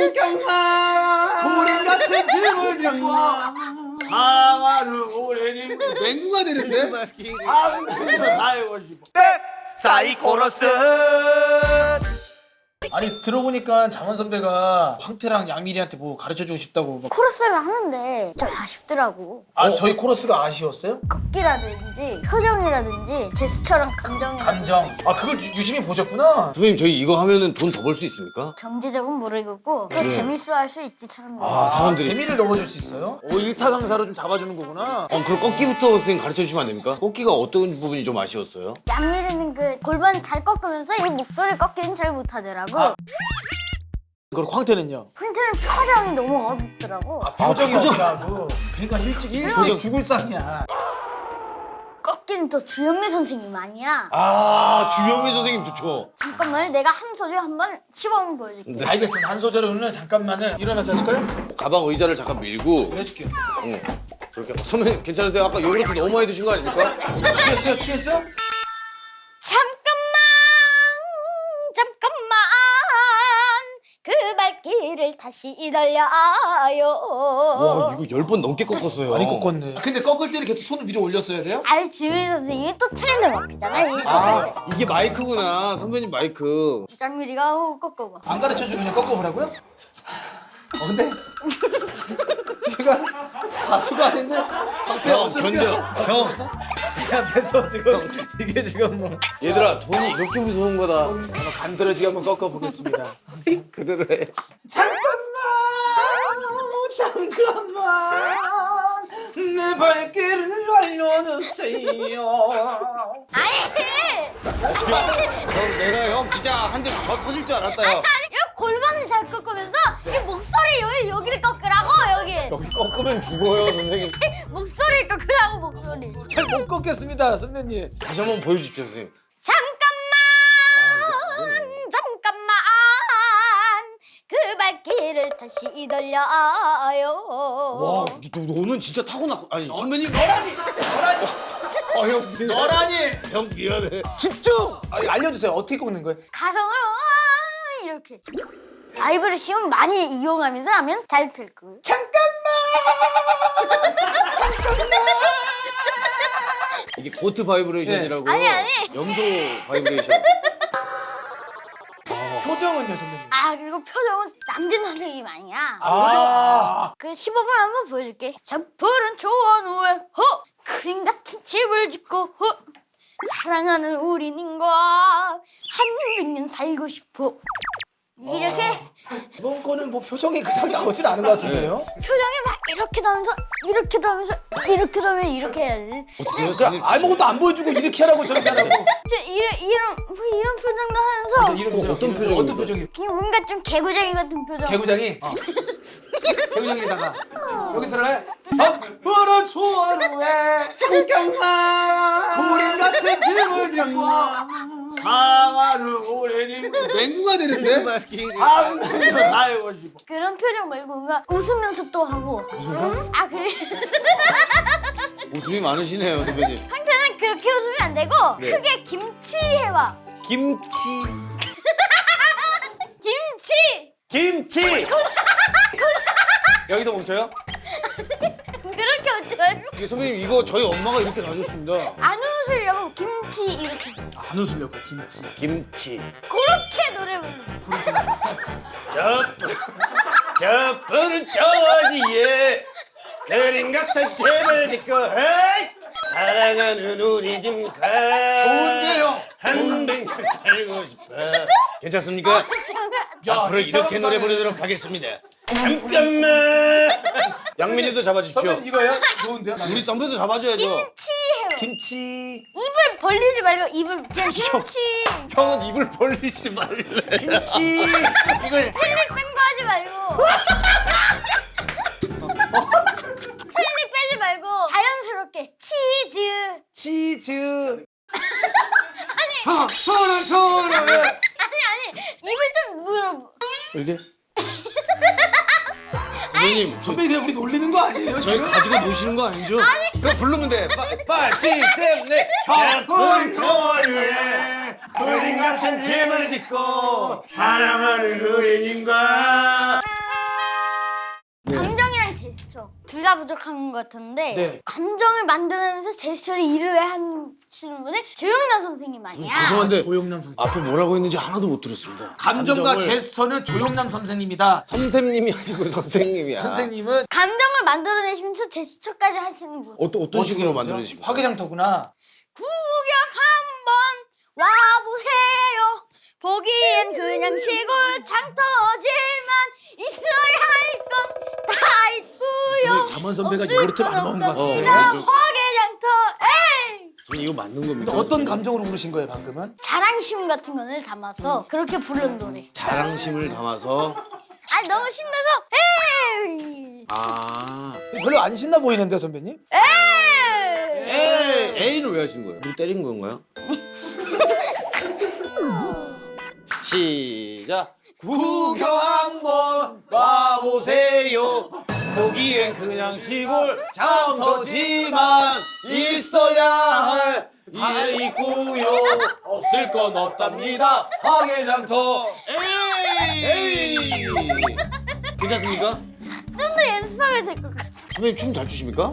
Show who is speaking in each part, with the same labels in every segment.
Speaker 1: 잠깐만
Speaker 2: 고림 같은 짐을 졌고
Speaker 1: 사과를 오래님
Speaker 2: 맹구가 되는데?
Speaker 1: 아무데나 살고 싶어.
Speaker 3: 사이코러스.
Speaker 2: 아니 들어보니까 장원 선배가 황태랑 양미리한테 뭐 가르쳐주고 싶다고 막.
Speaker 4: 코러스를 하는데 좀 아쉽더라고.
Speaker 2: 저희 코러스가 아쉬웠어요?
Speaker 4: 걷기라든지 표정이라든지 제스처랑
Speaker 2: 감정. 그걸 유심히 보셨구나.
Speaker 3: 선배님 저희 이거 하면은 돈 더 벌 수 있습니까?
Speaker 4: 경제적은 모르겠고 또 재밌어 할 수 있지 사람들.
Speaker 3: 사람들이.
Speaker 2: 재미를 넣어줄 수 있어요? 일타 강사로 좀 잡아주는 거구나.
Speaker 3: 그럼 꺾기부터 선생님 가르쳐 주시면 안 됩니까? 꺾기가 어떤 부분이 좀 아쉬웠어요?
Speaker 4: 양미리는 그 골반 잘 꺾으면서 이 목소리 꺾기는 잘 못하더라고.
Speaker 2: 그리고 황태는요?
Speaker 4: 황태는 표정이 너무 어둡더라고.
Speaker 2: 표정이 없다고. 그러니까 일찍 죽을 상이야.
Speaker 4: 꺾기는 또 주현미 선생님 아니야.
Speaker 3: 주현미 선생님 좋죠.
Speaker 4: 잠깐만 내가 한 소리 한번 시범 보여줄게.
Speaker 2: 알겠습니다. 한 소절은 잠깐만을 일어나서 하실까요?
Speaker 3: 가방 의자를 잠깐 밀고.
Speaker 2: 해줄게요.
Speaker 3: 그렇게. 선배님 괜찮으세요? 아까 요구르트 너무 많이 드신 거 아닙니까?
Speaker 2: 취했어요?
Speaker 4: 잠깐만 그 발길을 다시 달려요.
Speaker 3: 와 이거 10번 넘게 꺾었어요.
Speaker 2: 많이 꺾었네. 근데 꺾을 때는 계속 손을 위로 올렸어야 돼요?
Speaker 4: 아니 주현미 선생님이 또 트렌드 마크잖아. 이
Speaker 3: 이게 마이크구나. 선배님 마이크.
Speaker 4: 짱미리가 꺾어봐.
Speaker 2: 안 가르쳐주고 그냥 꺾어보라고요? 근데 얘가 가수가 아닌데
Speaker 3: 형 견뎌. 형.
Speaker 2: 앞에서 지금 이게 지금 뭐
Speaker 3: 얘들아 돈이 이렇게 무서운 거다.
Speaker 2: 간드러지게 한번 꺾어보겠습니다.
Speaker 3: 그대로 해.
Speaker 2: 잠깐만 내 발길을 알려주세요.
Speaker 3: 형 내가 형 진짜 한 대 저 터질 줄 알았다 형.
Speaker 4: 아니 골반을 잘 꺾으면서 이 목소리 여기를 꺾으라고 여기.
Speaker 3: 여기 꺾으면 죽어요 선생님.
Speaker 4: 목소리 꺾으라고 목소리.
Speaker 2: 잘 못 꺾겠습니다 선배님.
Speaker 3: 다시 한번 보여주십시오 선생님.
Speaker 4: 잠깐만 그 발길을 다시 돌려요.
Speaker 3: 와 너는 진짜 타고났고. 아니 선배님 너라니. 형
Speaker 2: 너라니
Speaker 3: 형 미안해.
Speaker 2: 집중. 알려주세요. 어떻게 꺾는 거예요?
Speaker 4: 가성을 이렇게 바이브레이션 많이 이용하면서 하면 잘 될 거예요.
Speaker 3: 이게 고트 바이브레이션이라고.
Speaker 4: 아니.
Speaker 3: 염소 바이브레이션.
Speaker 2: 표정은요 선배님?
Speaker 4: 그리고 표정은 남진 선생님 아니야. 그 시범을 한번 보여줄게. 푸른 초원 위에 그림 같은 집을 짓고 사랑하는 우리님과 100년 살고 싶어. 이렇게
Speaker 2: 이번 거는 뭐 표정이 그닥 나오진 않은 것 같은데요?
Speaker 4: 표정이 막 이렇게 나오면서 이렇게 나오면서 이렇게 나오면 이렇게 해야 돼.
Speaker 2: 그냥 아무것도 안 보여주고 이렇게 하라고 저렇게 하라고.
Speaker 4: 이런 표정도 하면서
Speaker 2: 이런 표정.
Speaker 3: 어떤 표정인데?
Speaker 2: 어떤 표정이?
Speaker 4: 그냥 뭔가 좀 개구쟁이 같은 표정.
Speaker 2: 개구장이? 개구장에다가 여기서는 푸른 초원 위에 잠깐만 고림 같은 짐을 졌고
Speaker 1: 사과를 오래님
Speaker 2: 맹구가 되는데?
Speaker 1: 아무데나 살고 싶어.
Speaker 4: 그런 표정 말고 뭔가 웃으면서 또 하고. 웃으면서? 그래.
Speaker 3: 웃음이 많으시네요 선배님.
Speaker 4: 상태는 그렇게 웃으면 안 되고
Speaker 3: 네.
Speaker 4: 크게 김치 해봐.
Speaker 3: 김치.
Speaker 4: 김치.
Speaker 3: 여기서 멈춰요?
Speaker 4: 그렇게 웃지 말고.
Speaker 3: 이게 선배님 이거 저희 엄마가 이렇게 놔줬습니다.
Speaker 4: 안 웃으려고 김치 이렇게.
Speaker 2: 안 웃으려고 김치.
Speaker 3: 김치.
Speaker 4: 그렇게 노래 부르.
Speaker 3: 저 푸른 초원 위에 그림 같은 집을 짓고 사랑하는 우리 집과
Speaker 2: 좋은데요?
Speaker 3: 한백 년 살고 싶어. 괜찮습니까? 앞으로 이렇게 노래 부르도록 하겠습니다. 잠깐만. 양민이도 잡아주십시오.
Speaker 2: 선배님 이거요? 좋은데요?
Speaker 3: 우리 선배도 잡아줘야죠.
Speaker 4: 김치 해봐.
Speaker 3: 김치.
Speaker 4: 입을 벌리지 말고 입을 그냥 김치.
Speaker 3: 형은 입을 벌리지 말래. 김치.
Speaker 2: 이걸
Speaker 4: 슬립 뺀거 하지 말고. 슬립 빼지 말고 자연스럽게 치즈.
Speaker 2: 푸른 초원 위에
Speaker 4: 아니 입을 좀 물어.
Speaker 2: 이렇게?
Speaker 3: 선배님
Speaker 2: 선배님 그냥 우리 놀리는 거 아니에요?
Speaker 3: 저희
Speaker 2: 지금?
Speaker 3: 가지고 노시는 거 아니죠? 그럼 부르면 돼. 5, 6, 7, 8.
Speaker 1: 푸른 초원 위에 그림 같은 집을 짓고 사랑하는 우리님과
Speaker 4: 제스처 둘 다 부족한 것 같은데
Speaker 2: 네.
Speaker 4: 감정을 만들어내면서 제스처를 일을 하시는 분은 조영남 선생님 아니야?
Speaker 3: 죄송한데
Speaker 2: 조영남 선생.
Speaker 3: 앞에 뭐라고 했는지 하나도 못 들었습니다.
Speaker 2: 감정과
Speaker 3: 감정을-
Speaker 2: 제스처는 조영남 선생님이다.
Speaker 3: 선생님이 아니고 선생님이야.
Speaker 2: 선생님은
Speaker 4: 감정을 만들어내시면서 제스처까지 하시는 분.
Speaker 3: 어떤 식으로 만들어내십니까?
Speaker 2: 화개장터구나.
Speaker 4: 구경 한번 와보세요. 보기엔 그냥 시골 장터지만 있어야 할 건 다 있고요.
Speaker 2: 잠원 선배가
Speaker 4: 없을
Speaker 2: 요구르트
Speaker 4: 건
Speaker 2: 많이 먹은 것
Speaker 4: 없답니다.
Speaker 2: 같아요.
Speaker 4: 화개장터 에이.
Speaker 3: 저는 이거 맞는 겁니까?
Speaker 2: 어떤 감정으로 부르신 거예요 방금은?
Speaker 4: 자랑심 같은 거를 담아서 그렇게 부른 노래.
Speaker 3: 자랑심을 담아서
Speaker 4: 아 너무 신나서 에이.
Speaker 3: 아
Speaker 2: 별로 안 신나 보이는데 선배님?
Speaker 4: 에이.
Speaker 3: A는 왜 하신 거예요? 누구 때린 건가요? 시작. 구경 한번 와보세요. 보기엔 그냥 시골 장터지만 있어야 할 다 있고요. 없을 건 없답니다. 황해장터 에이. 괜찮습니까?
Speaker 4: 좀 더 연습하면 될 것 같아.
Speaker 3: 선배님 춤 잘 추십니까?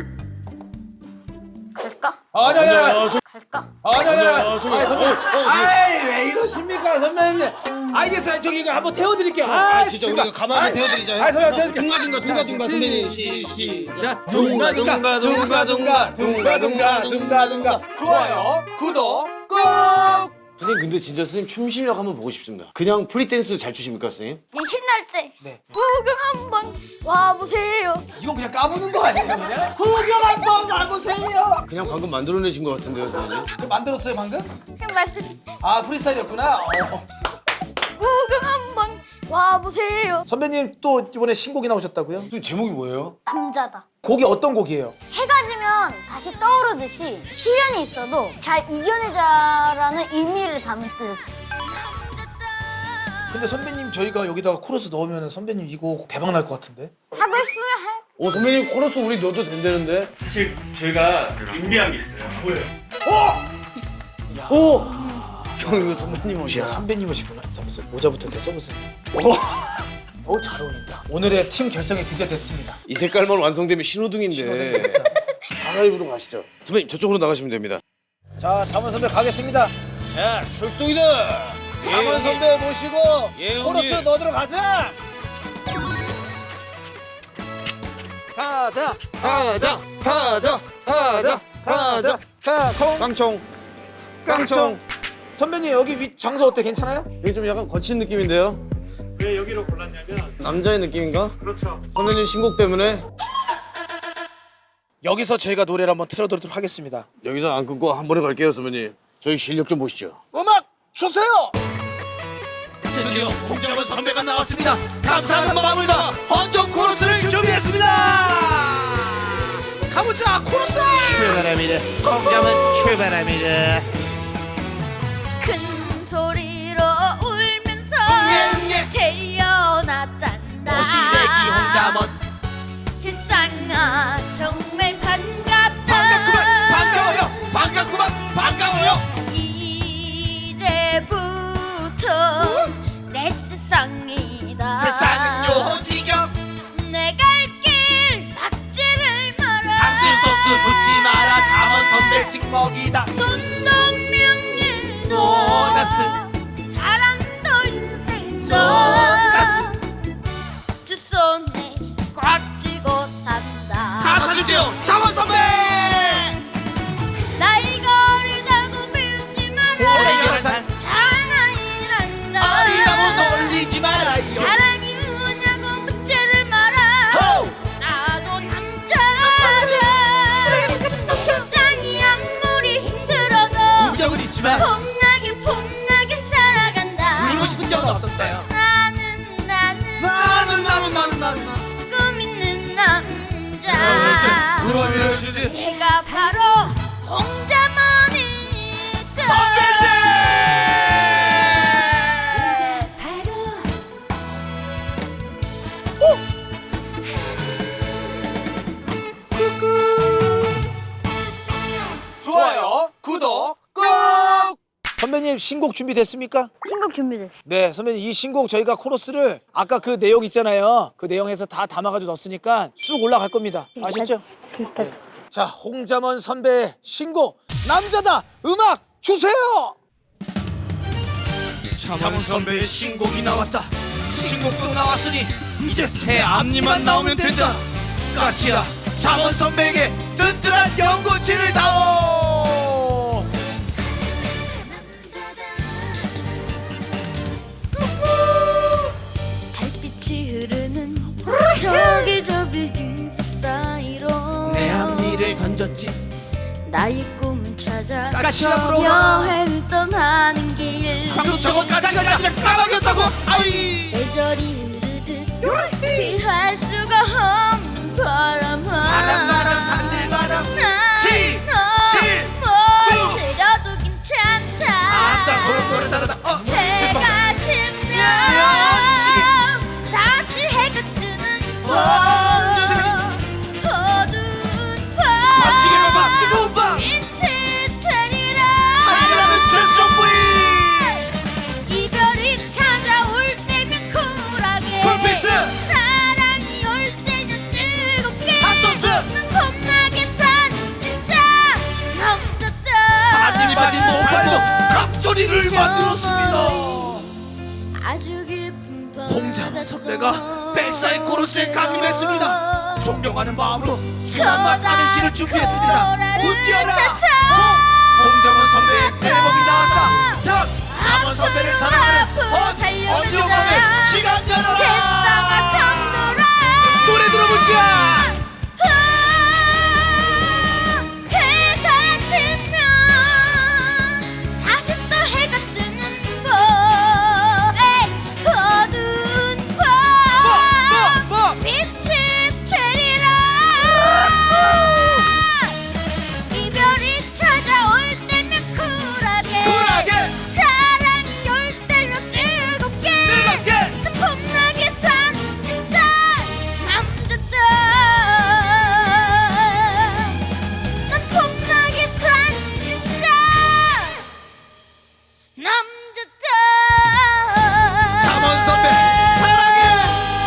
Speaker 4: 갈까?
Speaker 2: 아니야.
Speaker 4: 갈까?
Speaker 2: 아니야.
Speaker 3: 선배님.
Speaker 2: 아이 왜 이러십니까 선배님? 알겠어요. 저기 이거 한번 태워드릴게요.
Speaker 3: 진짜 우리가 가만히 태워드리자요.
Speaker 2: 아 선배님
Speaker 3: 둥가둥가 선배님 시작.
Speaker 2: 둥가둥가. 좋아요. 구독 꾹.
Speaker 3: 선생님 근데 진짜 선생님 춤 실력 한번 보고 싶습니다. 그냥 프리댄스도 잘 추십니까 선생님?
Speaker 4: 이 신날 때
Speaker 2: 네.
Speaker 4: 구경 한번 와보세요.
Speaker 2: 이건 그냥 까부는 거 아니에요 그냥? 구경 한번 와보세요.
Speaker 3: 그냥 방금 만들어내신 것 같은데요 선생님?
Speaker 2: 만들었어요 방금?
Speaker 4: 그냥 말씀
Speaker 2: 아 프리스타일이었구나.
Speaker 4: 구경 한번 와보세요.
Speaker 2: 선배님 또 이번에 신곡이 나오셨다고요?
Speaker 3: 선생님 제목이 뭐예요?
Speaker 4: 남자다.
Speaker 2: 곡이 어떤 곡이에요?
Speaker 4: 해가 지면 다시 떠오르듯이 시련이 있어도 잘 이겨내자라는 의미를 담은 뜻.
Speaker 2: 근데 선배님 저희가 여기다가 코러스 넣으면 선배님 이거 대박 날 것 같은데?
Speaker 4: 하고 싶으면 할.
Speaker 3: 오 선배님 코러스 우리 넣어도 된다는데?
Speaker 5: 사실 저희가 준비한 게 있어요.
Speaker 3: 오! 형 이거 선배님 옷이야.
Speaker 2: 선배님 오시구나. 잠깐만 모자부터 대 써보세요. 잘 어울린다. 오늘의 팀 결성이 드디어 됐습니다.
Speaker 3: 이 색깔만 완성되면 신호등인데. 가가입으로 가시죠. 선배님 저쪽으로 나가시면 됩니다.
Speaker 2: 자, 잠원 선배 가겠습니다.
Speaker 3: 자 출동이다.
Speaker 2: 잠원 선배 모시고
Speaker 3: 예,
Speaker 2: 코러스
Speaker 3: 형님.
Speaker 2: 넣으러 가자. 가자.
Speaker 3: 가자 가자 깡총 깡총.
Speaker 2: 선배님 여기 위 장소 어때? 괜찮아요?
Speaker 3: 이게 좀 약간 거친 느낌인데요?
Speaker 5: 왜 여기로 골랐냐면
Speaker 3: 남자의 느낌인가?
Speaker 5: 그렇죠.
Speaker 3: 선배님 신곡 때문에
Speaker 2: 여기서 저희가 노래를 한번 틀어드리도록 하겠습니다.
Speaker 3: 여기서 안 끊고 한 번에 갈게요 선배님. 저희 실력 좀 보시죠.
Speaker 2: 음악 주세요.
Speaker 3: 드디어 홍정원 선배가 나왔습니다. 감사하는 마음을 다 헌정 코러스를 준비했습니다.
Speaker 2: 가보자 코러스.
Speaker 1: 출발합니다. 공감은 출발합니다.
Speaker 4: 큰 소리로 울면서
Speaker 3: 예.
Speaker 4: 태어났단다.
Speaker 3: 오시래기 홍자먼
Speaker 4: 세상아 정말 반갑다.
Speaker 3: 반갑구만.
Speaker 4: 이제부터 내 세상이다.
Speaker 3: 요지경
Speaker 4: 내 갈 길 막지를 마라.
Speaker 3: 붙지 마라. 자먼 선배 찍먹이다.
Speaker 4: 돈동명예도
Speaker 3: 보너스.
Speaker 4: 사랑도 인생도
Speaker 3: 돈가스.
Speaker 4: 두 손에 꽉 쥐고 산다.
Speaker 3: 사줄게요. 자먼 선배.
Speaker 4: 나이 거리 자고 배우지 마라.
Speaker 3: 오래결산.
Speaker 4: 사랑이란다.
Speaker 3: 놀리지 말아요.
Speaker 4: 사랑이 뭐냐고 묻지를 마라. 나도 남자야. 세상이 아무리 힘들어도
Speaker 3: 적은 있지만
Speaker 4: 폼나게 살아간다.
Speaker 3: 울고 싶은 적은 없었어요.
Speaker 4: 나는 꿈 있는 남자.
Speaker 3: 누가 밀어주지?
Speaker 4: 내가 바로 홍자머니
Speaker 2: 좋아요 구독 꾹. 선배님 선배님 신곡 준비됐습니까?
Speaker 4: 신곡 준비됐어.
Speaker 2: 네, 선배님 이 신곡 저희가 코러스를 아까 그 내용 있잖아요. 그 내용에서 다 담아가지고 넣었으니까 쑥 올라갈 겁니다. 아시죠?
Speaker 4: 그러니까
Speaker 2: 자, 홍자먼 선배의 신곡 남자다 음악 주세요.
Speaker 3: 자문 선배의 신곡이 나왔다. 신곡도 나왔으니 이제 새 앞니만 나오면 된다. 까치야, 자문 선배에게 튼튼한 연고치를 다오.
Speaker 6: 달빛이 흐르는 저기 저 빌딩 속 사이로
Speaker 3: 내 앞니를 던졌지.
Speaker 6: 나의 꿈을 찾아
Speaker 3: 까치야,
Speaker 6: 여행을 떠나는 길
Speaker 3: 방금 저건 까치가 아니라 까마귀였다고. 아이.
Speaker 6: 계절이 흐르듯 피할 수가 없는 바람아
Speaker 3: 바람 산들바람. 시,
Speaker 6: 뭘 즐겨도 괜찮다
Speaker 3: 아따 그런 거를 잘하다.
Speaker 6: 해가 지면 다시 해가 뜨는 밤 어두운 밤
Speaker 3: 밤중에 봐봐 뜨거운 밤.
Speaker 6: 빛이 되리라
Speaker 3: 하이라는 최성부인.
Speaker 6: 이별이 찾아올 때면 쿨하게
Speaker 3: 쿨피스.
Speaker 6: 사랑이 올 때면 뜨겁게
Speaker 3: 핫소스.
Speaker 6: 난 겁나게 사는 진짜 남자다
Speaker 3: 앞니 빠진 노팔로 갑자리를 만들었습니다.
Speaker 6: 아주 깊은
Speaker 3: 홍자만 선배가 벨사의 코러스에 감립했습니다. 존경하는 마음으로 수많은 삼행시를 준비했습니다. 웃겨라. 홍자만 선배의 새 앨범이 나왔다. 참, 자만 선배를 사랑하는 언영왕의 시간 열어라. 노래 들어보자.
Speaker 6: 해가 지면 다시 또 해가 뜨는 밤 어두운 밤 빛이 되리라 이별이 찾아올 때면 쿨하게 사랑이 올 때면 뜨겁게 난 겁나게 산 진짜 남자다 난 겁나게 산 진짜 남자다
Speaker 3: 자만 선배 사랑해.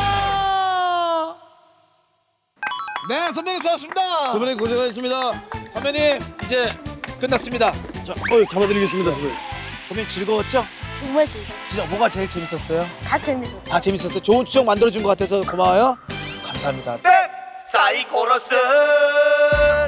Speaker 2: 네, 선배님 수고하셨습니다.
Speaker 7: 선배님 고생하셨습니다.
Speaker 2: 선배님 이제 끝났습니다.
Speaker 7: 자, 잡아드리겠습니다, 선배님.
Speaker 2: 선배님 즐거웠죠?
Speaker 4: 정말 즐거워.
Speaker 2: 진짜 뭐가 제일 재밌었어요?
Speaker 4: 다 재밌었어.
Speaker 2: 다 재밌었어요. 좋은 추억 만들어준 것 같아서 고마워요. 감사합니다.
Speaker 3: 사이 코러스.